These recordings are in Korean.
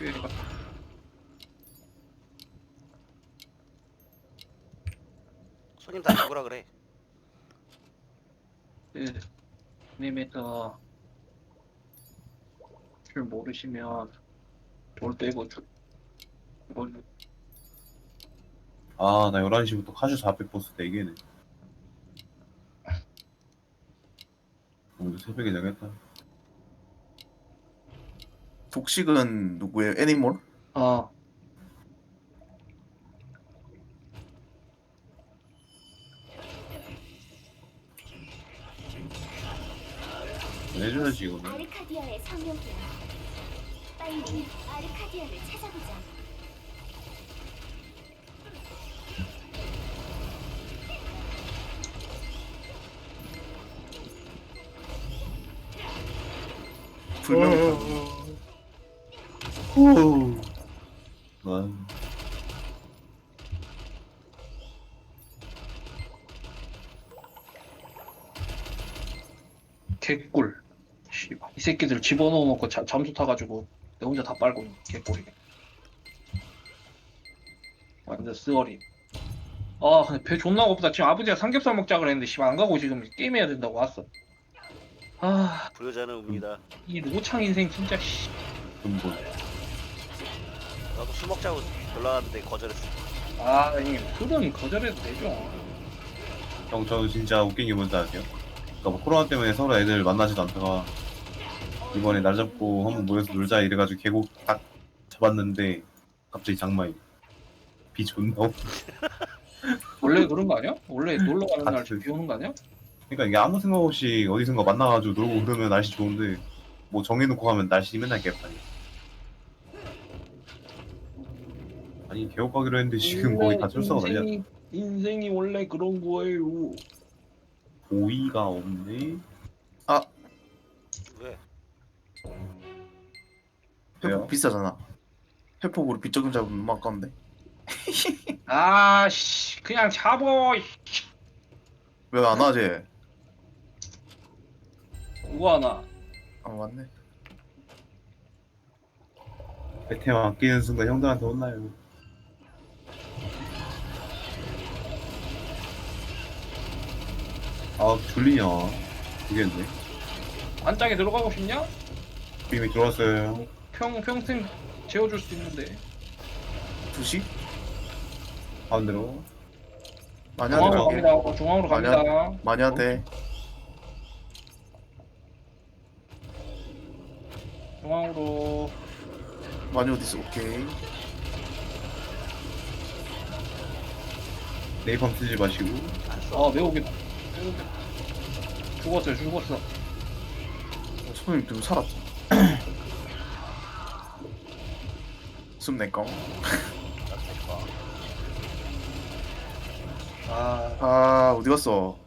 얘가. 손님 다 죽으라 그래. 그 님에서 줄 모르시면 돌 빼고 줄 이걸 아, 나 11시부터 카슈 400 보스 4개네. 오늘 새벽에 자겠다. 독식은 누구예요? 애니몰? 어 해줘야지, 이거는. 아르카디아의 성령이야. 빨리 아르카디아를 찾아보자. 불명이 후. 난 개꿀. 씨발 이 새끼들 집어넣어 놓고 잠수 타가지고 내 혼자 다 빨고 있는 개꿀이네. 완전 쓰어리. 아 근데 배 존나 고프다. 지금 아버지가 삼겹살 먹자 그랬는데 씨발 안 가고 지금 게임해야 된다고 왔어. 아 불효자는 옵니다. 이 노창 인생 진짜 씨. 근본. 나도 술 먹자고 연락하는데 거절했어. 아 형님 술은 거절해도 되죠. 형, 저는 진짜 웃긴 게 뭔지 아세요? 그러니까 뭐 코로나 때문에 서로 애들 만나지도 않다가 이번에 날 잡고 한번 모여서 놀자 이래가지고 계곡 딱 잡았는데 갑자기 장마이. 비 존나 오고. 원래 그런 거 아니야? 원래 놀러 가는 날 같이. 비 오는 거 아니야? 그러니까 이게 아무 생각 없이 어디선가 만나가지고 놀고 그러면 날씨 좋은데 뭐 정해놓고 가면 날씨 맨날 개판이야. 아니 계곡 가기로 했는데 지금 거의 다 철수가 날려. 인생이 원래 그런 거예요. 보이가 없네. 왜? 왜요? 회복 비싸잖아. 회복으로 빚적금 잡으면 너무 아까운데. 아씨 그냥 잡어. 왜 안 하지? 누가 하나? 아 맞네. 베템 아끼는 순간 형들한테 혼나요. 아 졸리냐. 모르겠네. 안짝에 들어가고 싶냐? 이미 들어왔어요. 평생 재워줄 수 있는데. 2시? 가운데로. 많이 중앙으로 하네. 갑니다. 중앙으로 많이 갑니다. 많이 하대. 중앙으로. 많이 어딨어? 오케이. 네이팜 쓰지 마시고. 안 써. 아 매우겠다. 죽었어요. 죽었어. 손님 좀 살았어. 숨 내꺼. 아, 아 어디 갔어?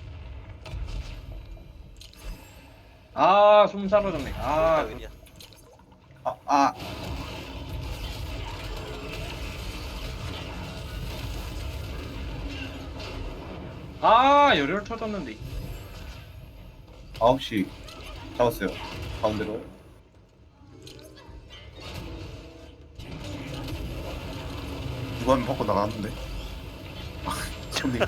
숨 사라졌네. 아, 웬이야. 열혈 터졌는데. 9시 잡았어요. 가운데로. 누가 하면 바꿔 나갔는데. 아 손님.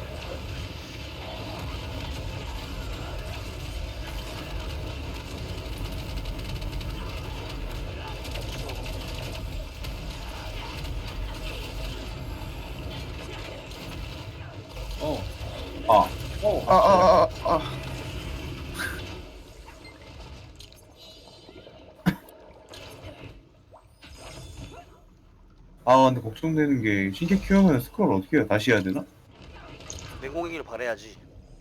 어. 아. 어. 아 근데 걱정되는 게 신캐 키우면 스크롤 어떻게 해요? 다시 해야 되나? 맹공이길 바래야지.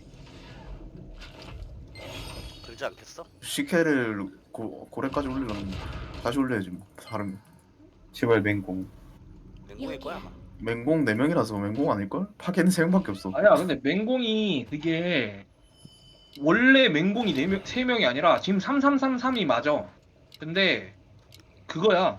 그러지 않겠어? 시케를 고래까지 올리려면 다시 올려야지 뭐. 다른 제발 맹공. 맹공일 거야 아마. 맹공 4명이라서 맹공 아닐걸? 파괴는 3명밖에 없어. 아니야, 근데 맹공이 그게 원래 맹공이 4명, 3명이 아니라 지금 3333이 맞아. 근데 그거야.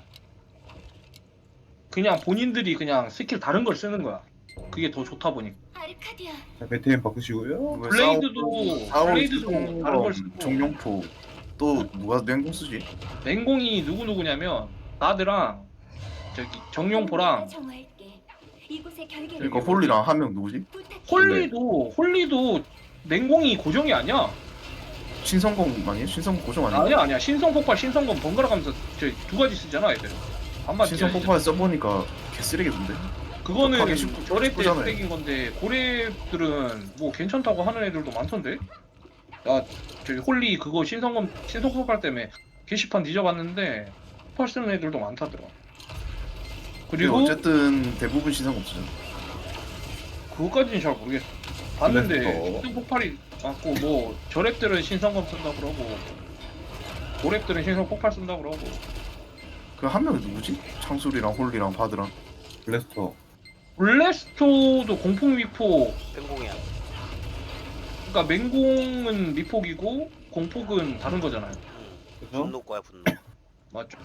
그냥 본인들이 그냥 스킬 다른 걸 쓰는 거야. 그게 더 좋다 보니. 아르카디아. 자, 베템 바꾸시고요. 왜 블레이드도 블레이드도 다른 걸 쓰고. 정룡포 또 누가 맹공 쓰지? 맹공이 누구냐면 가드랑 저기 정용포랑 정화할게. 이곳의 결계를 그러니까 홀리랑 한 명 누구지? 부탁해. 홀리도 맹공이 고정이 아니야. 신성공 아니에요? 신성공 고정 아니에요? 아니야. 신성 폭발, 신성검 번갈아 가면서 저 두 가지 쓰잖아, 애들. 반반 신성 뛰어야지. 폭발 써보니까 개쓰레기던데? 그거는 급하게 쉽고 저래 때 쉽잖아요. 쓰레기인 건데 고래들은 뭐 괜찮다고 하는 애들도 많던데. 나 저기 홀리 그거 신성 폭발 때문에 게시판 뒤져봤는데 폭발 쓰는 애들도 많다더라. 그리고 그리고 어쨌든 대부분 신성공 쓰잖아. 그거까지는 잘 모르겠어. 봤는데 그래서- 신성 폭발이 많고 뭐 저랩들은 신성검 쓴다 그러고 고랩들은 신성 폭발 쓴다 그러고. 그 한 명이 누구지? 창술이랑 홀리랑 바드랑 블래스터. 블래스토도 공폭 미폭. 맹공이야. 그러니까 맹공은 미폭이고 공폭은 다른 거잖아요. 그죠? 분노 거야 분노. 맞죠?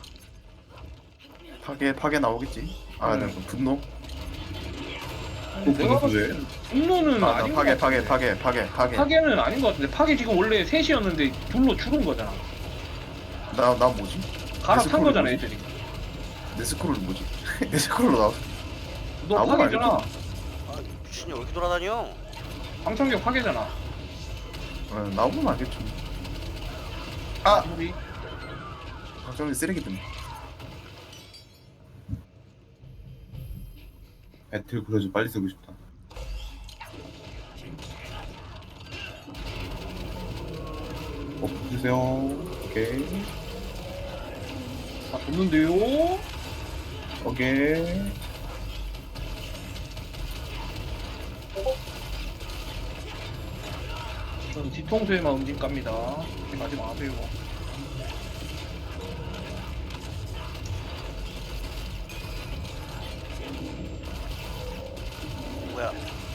파괴 나오겠지? 아, 네, 분노? 내가 봤을 때 분노는 아, 아닌 파괴 것 같은데. 파괴는 아닌 것 같은데 파괴 지금 원래 셋이었는데 둘로 줄은 거잖아. 나 뭐지? 갈아탄 스크롤이 거잖아 뭐지? 애들이. 내 스크롤 뭐지? 내 스크롤로 나왔어. 너 아무도 파괴잖아. 아 미친이 왜 이렇게 돌아다녀? 방청객 파괴잖아. 나오면 알겠죠. 아! 우리 박정희 쓰레기들. 배틀 그러지 빨리 쓰고 싶다. 주세요. 오케이. 다 줬는데요. 오케이. 전 뒤통수에만 움직 갑니다. 가지 마세요. 뭐야?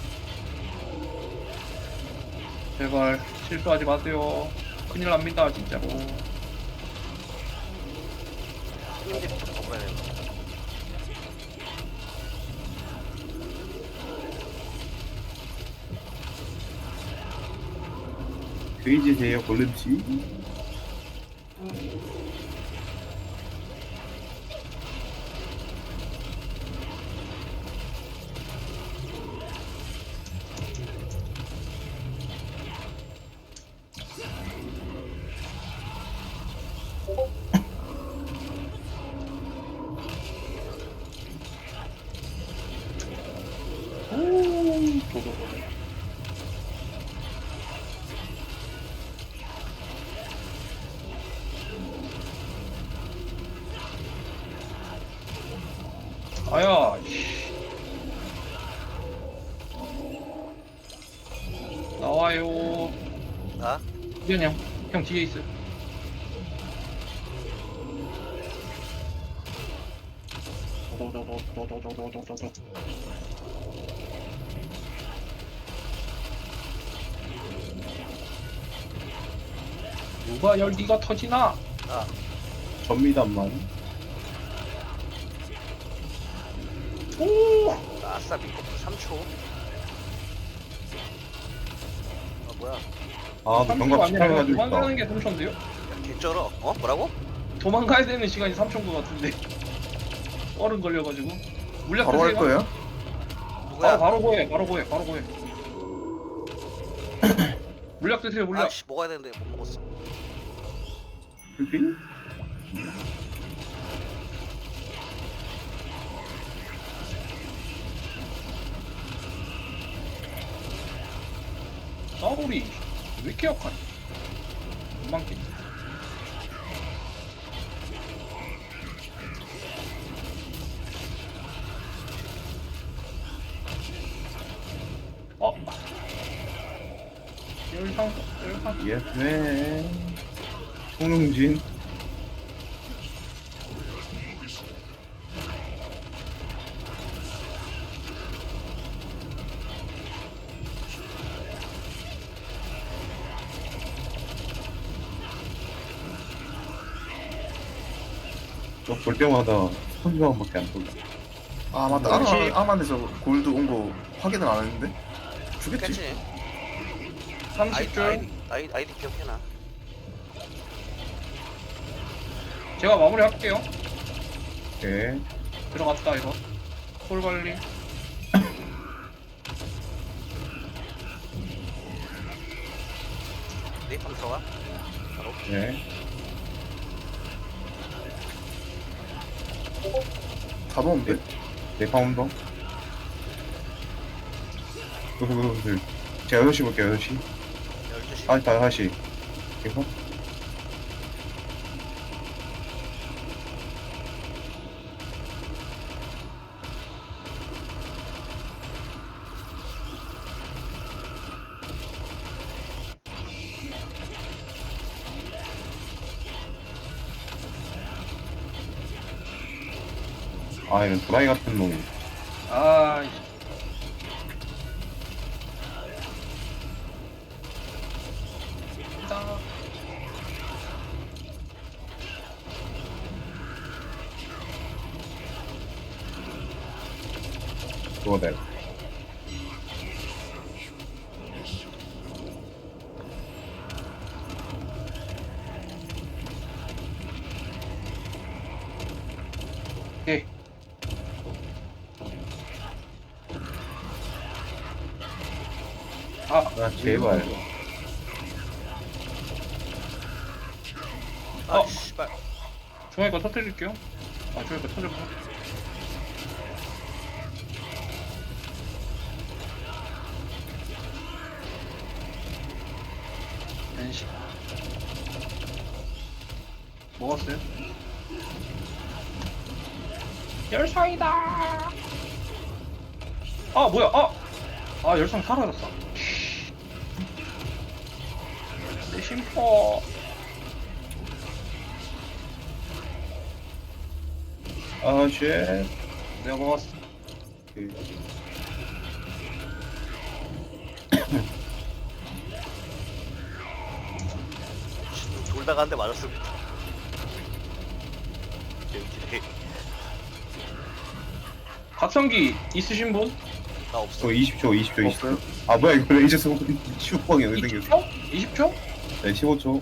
제발 실수하지 마세요. 큰일 납니다 진짜로. 형님들부터 먹어야 돼. 돼지세요 골렘씨. 오, 도도도. 아야, 씨. 나와요. 나? 미안 형 뒤에 있어. 도도도도도도도도도도. 누가 열기가 터지나? 나. 접니다만. 오! 나 아싸 미국 3초. 아 뭐야? 아, 너 경각 아니라 18 가지고 있다. 도망가는 게 3초인데요? 야 개쩔어. 어? 뭐라고? 도망가야 되는 시간이 3초인 것 같은데. 얼음 걸려가지고. 물약 바로 할 드세요. 거예요? 누구야? 바로 고해. 물약 드세요, 물약. 아씨 먹어야 되는데 못 먹었어. 풀필? 싸우리 왜 이렇게 약하니? 금방끼. 열상. 예스맨. 송영진. 볼 때마다 선수방밖에 안 돌려. 아 맞다. 혹시- 아만에서 골드 온 거 확인을 안 했는데? 주겠지? 괜지? 30줄. 아이디 기억해놔. 제가 마무리할게요. 오케이. 들어갔다 이거. 콜 관리. 네, 한번 들어가. 바로. 네. 다 넣었는데? 네, 파운더. 제가 6시 볼게요, 6시. 12시. 아, 5시. 이거? 아, 이런 도라이 같은 놈. 아, 나 그거다. 오케이. 아, 제발. 아, 어. 씨발. 중앙에 거 터뜨릴게요. 아, 중앙에 거 터졌구나. 엔시. 먹었어요? 열상이다! 아, 뭐야, 아, 열상 사라졌어. 내 심포. 아, 쉣. 내가 먹었어. 돌다가 한 대 맞았습니다. 여기 각성기 있으신 분? 나 없어. 저 20초, 20초, 20초. 없어요? 아, 뭐야, 이거 레이저 쏘고 15방이 왜 생겼어? 20초? 20초? 네, 15초.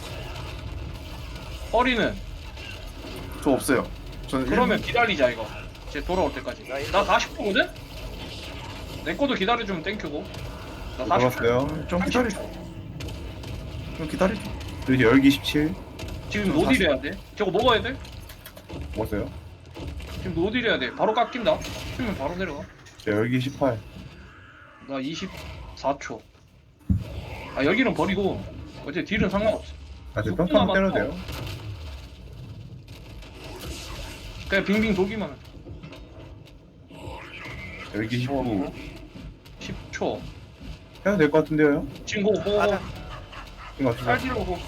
허리는? 저 없어요. 저는 그러면 기다리자 이거. 쟤 돌아올 때까지. 나 40초거든? 내 거도 기다려주면 땡큐고. 나 40초. 돌았어요. 좀 기다리죠. 좀 기다리죠. 그리고 열기 17. 지금 노딜 해야 돼. 저거 먹어야 돼. 먹었어요. 지금 노딜 해야 돼. 바로 깎인다. 쓰면 바로 내려가. 저 열기 18. 나 24초. 아 여기는 버리고 어째 딜은 상관없어. 아, 저 6분 평타만 때려도 남았어. 돼요. 그냥 빙빙 돌기만 해. 열기 19. 10초. 해도 될 것 같은데요? 지금 고 가자. 이거 어떻게 살질로 고.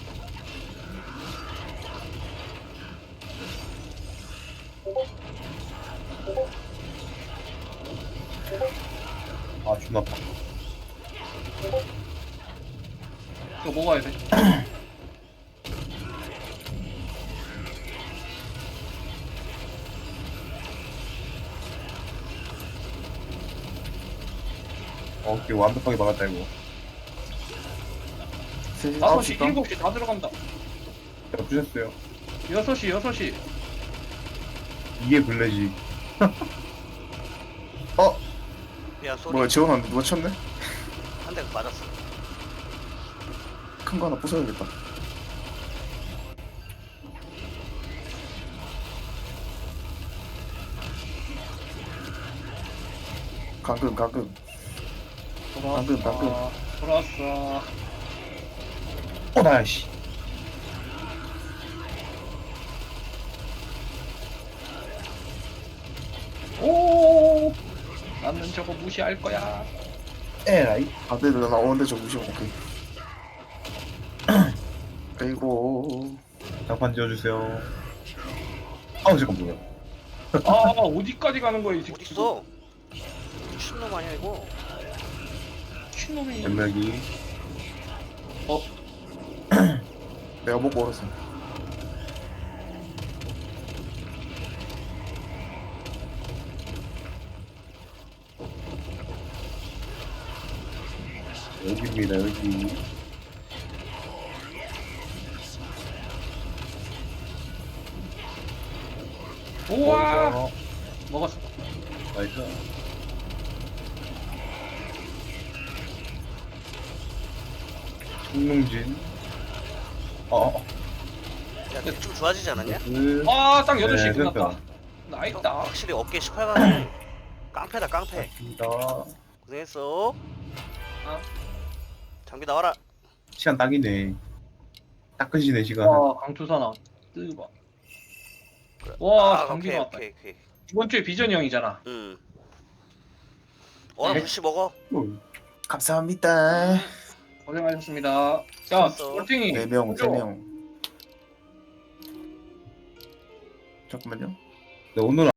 아, 존나 아파. 이거 먹어야 돼. 이거 완벽하게 막았다, 이거. 3시, 5시, 9시 7시 다 들어간다. 제가 부셨어요. 6시, 6시. 이게 블레지. 야, 소리. 뭐야, 지원 안 누가 쳤네? 한 대 맞았어. 큰 거 하나 부숴야겠다. 감금. 방금. 돌아왔어. 나야, 씨. 오! 나는 저거 무시할 거야. 에라이. 네, 나오는데 저 무시하고, 오케이. 아이고. 장판 지어주세요. 아우, 잠깐, 뭐야. 아, 어디까지 가는 거야, 이 새끼. 어딨어? 미친놈 아니야, 이거? 미친놈이. 연락이. 내가 먹고 얼었어. 여기입니다, 여기. 우와 먹었어. 나이스. 청룡진. 야, 좀 좋아지지 않았냐? 아딱 8시 네, 끝났다. 됐다. 나있다. 확실히 어깨 18강 깡패다 깡패. 맞습니다. 고생했어. 아. 장비 나와라. 시간 딱이네. 딱 끝이네 시간. 와 강투사나 뜨거. 와 장비 오케이 나왔다. 오케이 오케이. 이번 주에 비전이 형이잖아. 나 네. 혹시 먹어? 감사합니다. 고생하셨습니다. 야 수고했어. 얼탱이 4명 3명. 잠깐만요. 네, 오늘